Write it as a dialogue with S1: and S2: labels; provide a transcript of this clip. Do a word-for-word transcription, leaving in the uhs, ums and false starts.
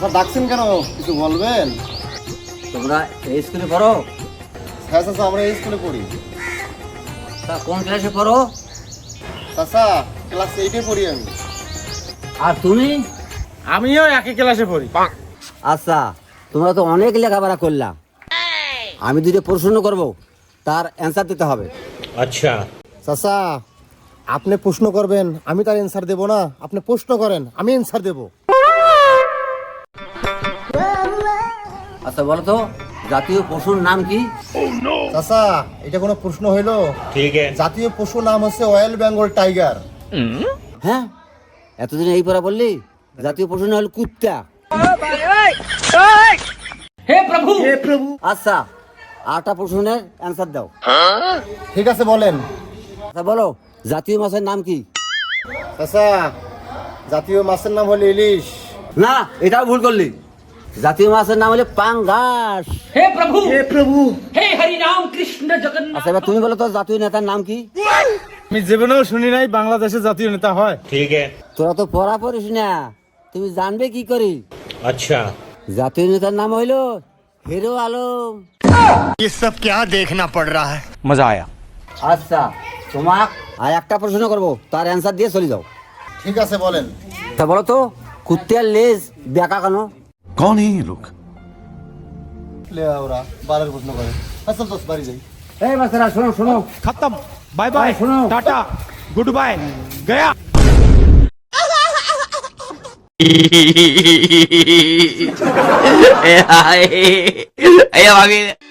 S1: ডাকছেন কেন, কিছু বলবেন?
S2: তোমরা এই স্কুলে পড়ো?
S1: হ্যাঁ চাচা, আমরা এই স্কুলে পড়ি।
S2: তা কোন ক্লাসে পড়ো?
S1: চাচা ক্লাস এইটে পড়ি আমি।
S2: আর তুমি?
S3: আমিও একই ক্লাসে পড়ি।
S2: আচ্ছা, তোমরা তো অনেক লেখাপড়া করলা, আমি দুটো প্রশ্ন করব, তার অ্যান্সার দিতে হবে।
S3: আচ্ছা
S1: চাচা আপনি প্রশ্ন করবেন, আমি তার অ্যান্সার দেব না। আপনি প্রশ্ন করেন, আমি অ্যান্সার দেব।
S2: আচ্ছা বলো তো, জাতীয় পশুর নাম কি?
S1: চাচা এটা কোনো প্রশ্ন হইলো?
S3: ঠিক আছে।
S1: জাতীয় পশু নাম হচ্ছে রয়্যাল বেঙ্গল টাইগার।
S2: হ্যাঁ, এতদিন এই পড়া বললি? জাতীয় পশু না হলো কুত্তা।
S3: হে প্রভু হে প্রভু।
S2: আচ্ছা, আটটা প্রশ্নের অ্যান্সার দাও।
S1: ঠিক আছে বলেন।
S2: আচ্ছা বলো, জাতীয় মাছের নাম কি?
S1: চাচা জাতীয় মাছের নাম হলো ইলিশ।
S2: না, এটাও ভুল করলি। জাতীয় মাছের নাম হলো পাঙ্গাস।
S3: হে প্রভু হে প্রভু হে হরি রাম কৃষ্ণ জগন্নাথ।
S2: আচ্ছা এবার তুমি বলো তো, জাতীয় নেতার নাম কি?
S3: আমি জীবনেও শুনি নাই বাংলাদেশের জাতীয় নেতা হয়। ঠিক আছে।
S2: তোরা তো পড়া পড়িস না, তুমি জানবে কি করি?
S3: আচ্ছা
S2: জাতীয় নেতার নাম হইলো হিরো আলম।
S4: ये सब क्या देखना पड़ रहा है।
S3: মজা আয়া।
S2: আচ্ছা, তোমাক আর একটা প্রশ্ন করবো, তার অ্যান্সার দিয়ে চলে যাও।
S1: ঠিক আছে বলেন।
S2: তা বলো তো, কুত্তার লেজ বেঁকা কেন?
S4: कौन है ये लोग।
S1: লে ওরা বারের প্রশ্ন করে। আসল দোস্ত বাড়ি যাই।
S2: এই বাচ্চারা শোনো শোনো,
S3: खत्म बाय बाय
S2: सुनो।
S3: टाटा गुड बाय गया।
S5: Ay, ay, ay, ay,